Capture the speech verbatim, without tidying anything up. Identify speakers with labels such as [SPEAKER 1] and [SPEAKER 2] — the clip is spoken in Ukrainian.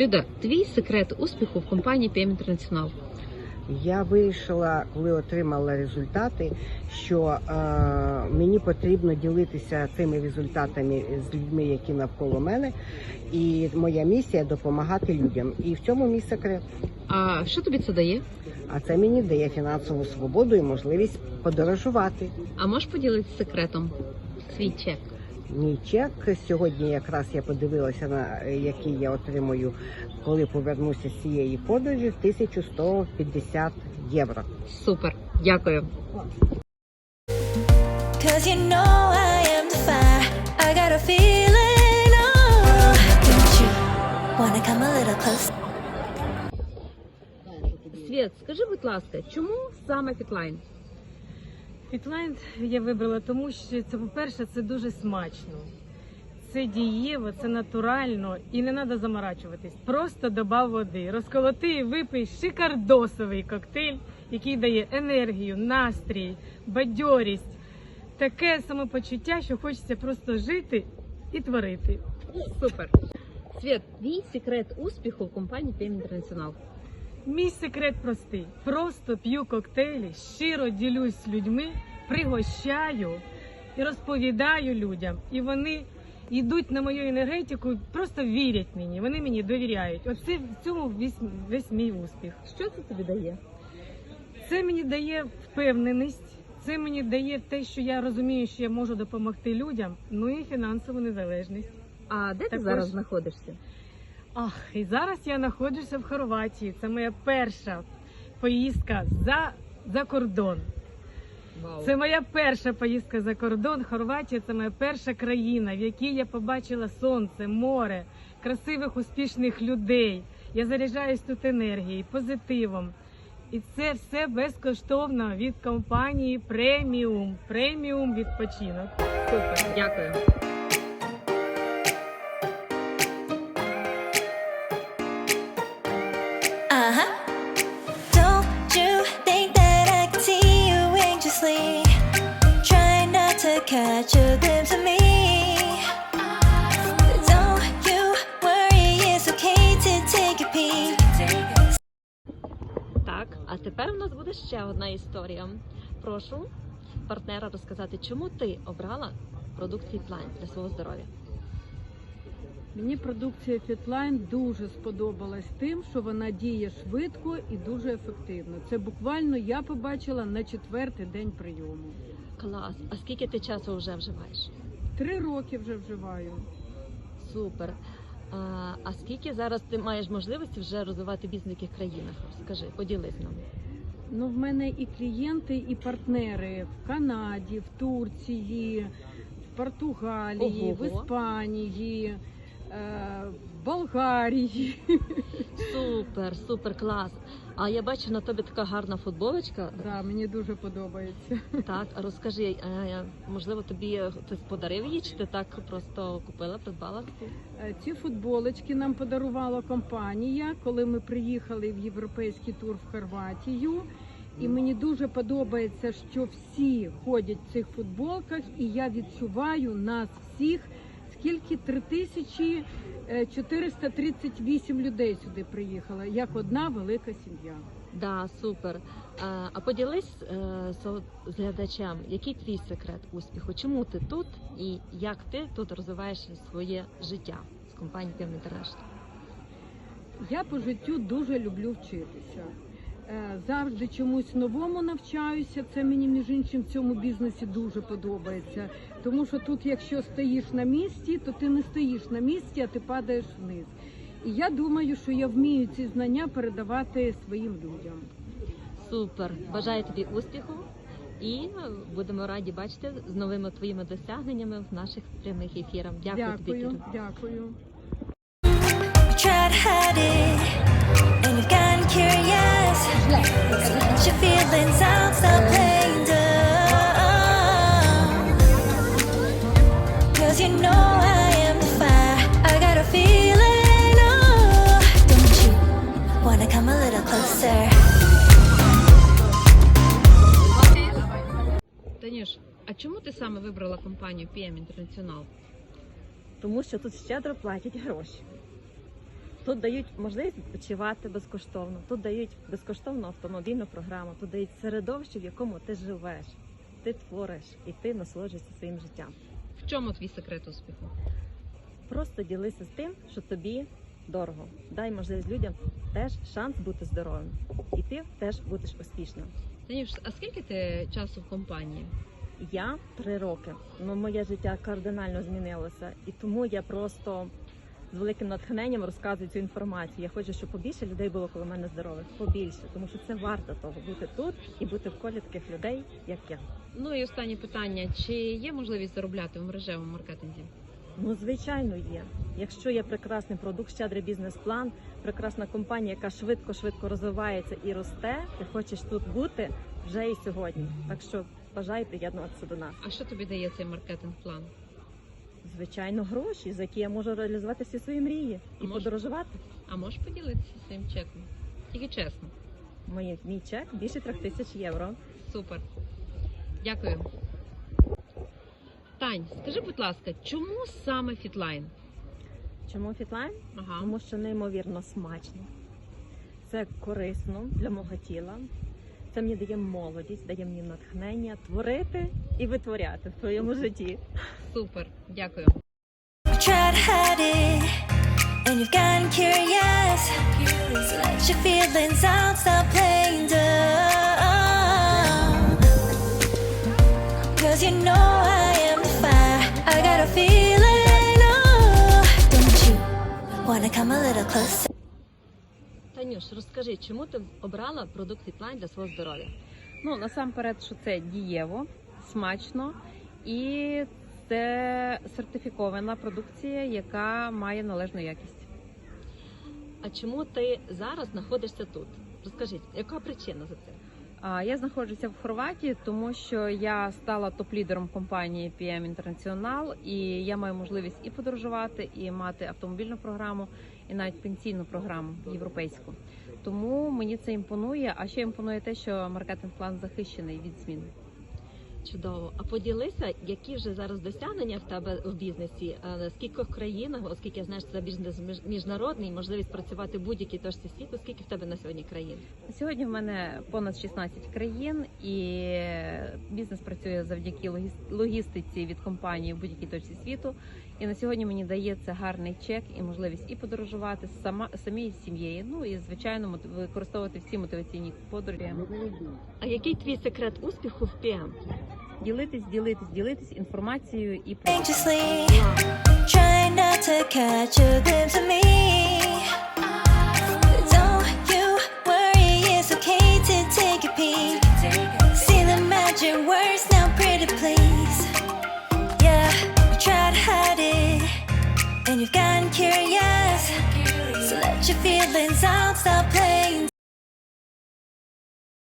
[SPEAKER 1] Люда, твій секрет успіху в компанії пі ем International?
[SPEAKER 2] Я вирішила, коли отримала результати, що е, мені потрібно ділитися цими результатами з людьми, які навколо мене. І моя місія – допомагати людям. І в цьому мій секрет.
[SPEAKER 1] А що тобі це дає?
[SPEAKER 2] А це мені дає фінансову свободу і можливість подорожувати.
[SPEAKER 1] А можеш поділитися секретом? Свій чек.
[SPEAKER 2] Мій чек сьогодні якраз я подивилася, на який я отримую, коли повернуся з цієї подорожі, тисяча сто п'ятдесят євро.
[SPEAKER 1] Супер, дякую. Світ, скажи, будь ласка, чому саме Фітлайн?
[SPEAKER 3] Фітлайн я вибрала, тому що це, по-перше, це дуже смачно. Це дієво, це натурально і не треба заморачуватись. Просто добав води, розколоти і випий шикардосовий коктейль, який дає енергію, настрій, бадьорість. Таке самопочуття, що хочеться просто жити і творити.
[SPEAKER 1] Супер. Світ, твій секрет успіху в компанії пі ем International?
[SPEAKER 3] Мій секрет простий. Просто п'ю коктейлі, щиро ділюсь з людьми, пригощаю і розповідаю людям. І вони йдуть на мою енергетику, просто вірять мені, вони мені довіряють. Оце в цьому весь, весь мій успіх.
[SPEAKER 1] Що це тобі дає?
[SPEAKER 3] Це мені дає впевненість, це мені дає те, що я розумію, що я можу допомогти людям, ну і фінансову незалежність.
[SPEAKER 1] А де ти
[SPEAKER 3] Також...
[SPEAKER 1] зараз знаходишся?
[SPEAKER 3] Ах, і зараз я знаходжуся в Хорватії. Це моя перша поїздка за, за кордон.
[SPEAKER 1] Вау.
[SPEAKER 3] Це моя перша поїздка за кордон. Хорватія – це моя перша країна, в якій я побачила сонце, море, красивих, успішних людей. Я заряджаюсь тут енергією, позитивом. І це все безкоштовно від компанії Преміум. Преміум відпочинок.
[SPEAKER 1] Супер, дякую.
[SPEAKER 4] Uh-huh. Don't you think that I can see you anxiously? Try not to catch a glimpse of me. Don't you worry, it's okay to take a peek.
[SPEAKER 1] Так, а тепер у нас буде ще одна історія. Прошу партнера розказати, чому ти обрала продукт Фітлайн для свого здоров'я.
[SPEAKER 5] Мені продукція Фітлайн дуже сподобалась тим, що вона діє швидко і дуже ефективно. Це буквально я побачила на четвертий день прийому.
[SPEAKER 1] Клас. А скільки ти часу вже вживаєш?
[SPEAKER 5] Три роки вже вживаю.
[SPEAKER 1] Супер. А, а скільки зараз ти маєш можливості вже розвивати бізнес в яких країнах? Скажи, поділись нам.
[SPEAKER 5] Ну, в мене і клієнти, і партнери в Канаді, в Турції, в Португалії,
[SPEAKER 1] Ого-го.
[SPEAKER 5] в Іспанії, в Болгарії.
[SPEAKER 1] Супер, супер, клас. А я бачу на тобі така гарна футболочка.
[SPEAKER 5] Да, мені дуже подобається.
[SPEAKER 1] Так, а розкажи, е, можливо, тобі хтось подарив її, чи ти так просто купила, придбала?
[SPEAKER 5] Ці футболочки нам подарувала компанія, коли ми приїхали в європейський тур в Хорватію. І мені дуже подобається, що всі ходять в цих футболках, і я відчуваю нас всіх, скільки три тисячі чотириста тридцять вісім людей сюди приїхало, як одна велика сім'я.
[SPEAKER 1] Да, супер. А, а поділись е, з, з глядачем, який твій секрет успіху? Чому ти тут і як ти тут розвиваєш своє життя з компанією пі ем International?
[SPEAKER 5] Я по життю дуже люблю вчитися. Завжди чомусь новому навчаюся, це мені, між іншим, в цьому бізнесі дуже подобається. Тому що тут, якщо стоїш на місці, то ти не стоїш на місці, а ти падаєш вниз. І я думаю, що я вмію ці знання передавати своїм людям.
[SPEAKER 1] Супер! Бажаю тобі успіху і будемо раді бачити з новими твоїми досягненнями в наших прямих ефірах. Дякую,
[SPEAKER 5] Дякую,
[SPEAKER 1] тобі, Кіра.
[SPEAKER 5] дякую.
[SPEAKER 4] Try to hide it, and you've gotten curious. Let your feelings out, stop playing dumb. 'Cause you know I am the fire, I got a feeling, oh. Don't you wanna come a little closer?
[SPEAKER 1] Танюш, а чому ти саме вибрала компанію пі ем International?
[SPEAKER 6] Тому що тут щедро платять гроші.
[SPEAKER 1] Тут дають можливість відпочивати безкоштовно, тут дають безкоштовну автомобільну програму, тут дають середовище, в якому ти живеш, ти твориш і ти насолоджуєшся своїм життям.
[SPEAKER 6] В чому твій секрет успіху?
[SPEAKER 1] Просто ділися з тим, що тобі дорого. Дай можливість людям теж шанс бути здоровим. І ти теж будеш успішним.
[SPEAKER 6] Танюш, а скільки ти часу в компанії?
[SPEAKER 1] Я три роки. Ну, моє життя кардинально змінилося. І тому я просто з великим натхненням розказую цю інформацію. Я хочу, щоб побільше людей було коло мене здорових. Побільше. Тому що це варто того бути тут і бути в колі таких людей, як я.
[SPEAKER 6] Ну і останнє питання: чи є можливість заробляти в мережевому маркетинзі?
[SPEAKER 1] Ну, звичайно, є. Якщо є прекрасний продукт, щедрий бізнес-план, прекрасна компанія, яка швидко-швидко розвивається і росте, ти хочеш тут бути вже і сьогодні. Так що бажаю приєднуватися до нас.
[SPEAKER 6] А що тобі дає цей маркетинг-план?
[SPEAKER 1] Звичайно, гроші, за які я можу реалізувати всі свої мрії і
[SPEAKER 6] Може-
[SPEAKER 1] подорожувати.
[SPEAKER 6] А можеш поділитися своїм чеком? Тільки чесно.
[SPEAKER 1] Мій, мій чек більше трьох тисяч євро.
[SPEAKER 6] Супер. Дякую. Тань, скажи, будь ласка, чому саме Фітлайн?
[SPEAKER 1] Чому фітлайн?
[SPEAKER 6] Ага.
[SPEAKER 1] Тому що неймовірно смачно. Це корисно для мого тіла. Це мені дає молодість, дає мені натхнення творити і витворяти в твоєму житті.
[SPEAKER 6] Супер. Дякую.
[SPEAKER 4] You tried to hide it, and you've gotten curious. So let your feelings out, stop playing dumb. Cause you know I am the fire. I got a feeling, oh, don't you wanna come a little closer?
[SPEAKER 1] Танюш, розкажи, чому ти обрала продукт Фітлайн для свого здоров'я?
[SPEAKER 7] Ну, насамперед, що це дієво, смачно і це сертифікована продукція, яка має належну якість.
[SPEAKER 1] А чому ти зараз знаходишся тут? Розкажіть, яка причина за це?
[SPEAKER 7] А, Я знаходжуся в Хорватії, тому що я стала топ-лідером компанії пі ем International, і я маю можливість і подорожувати, і мати автомобільну програму, і навіть пенсійну програму європейську. Тому мені це імпонує, а ще імпонує те, що маркетинг-план захищений від змін.
[SPEAKER 1] Чудово. А поділися, які вже зараз досягнення в тебе в бізнесі? Е, В скількох країнах, оскільки я знаю, що це бізнес між- міжнародний, можливість працювати в будь-якій точці світу. Скільки в тебе на сьогодні країн?
[SPEAKER 7] Сьогодні в мене понад шістнадцять країн, і бізнес працює завдяки логіс- логістиці від компанії в будь-якій точці світу. І на сьогодні мені дається гарний чек і можливість і подорожувати сама самій з сім'єю. Ну і звичайно мот- використовувати всі мотиваційні подорожі.
[SPEAKER 1] А який твій секрет успіху в пі ем?
[SPEAKER 7] Ділитись, ділитись, ділитись інформацією і продуктами.
[SPEAKER 4] Anxiously, trying not to catch a glimpse of me. Don't you worry, it's okay to take a peek. See the magic words now, pretty please. Yeah, you try to hide it, and you've gotten curious. So let your feelings out, stop playing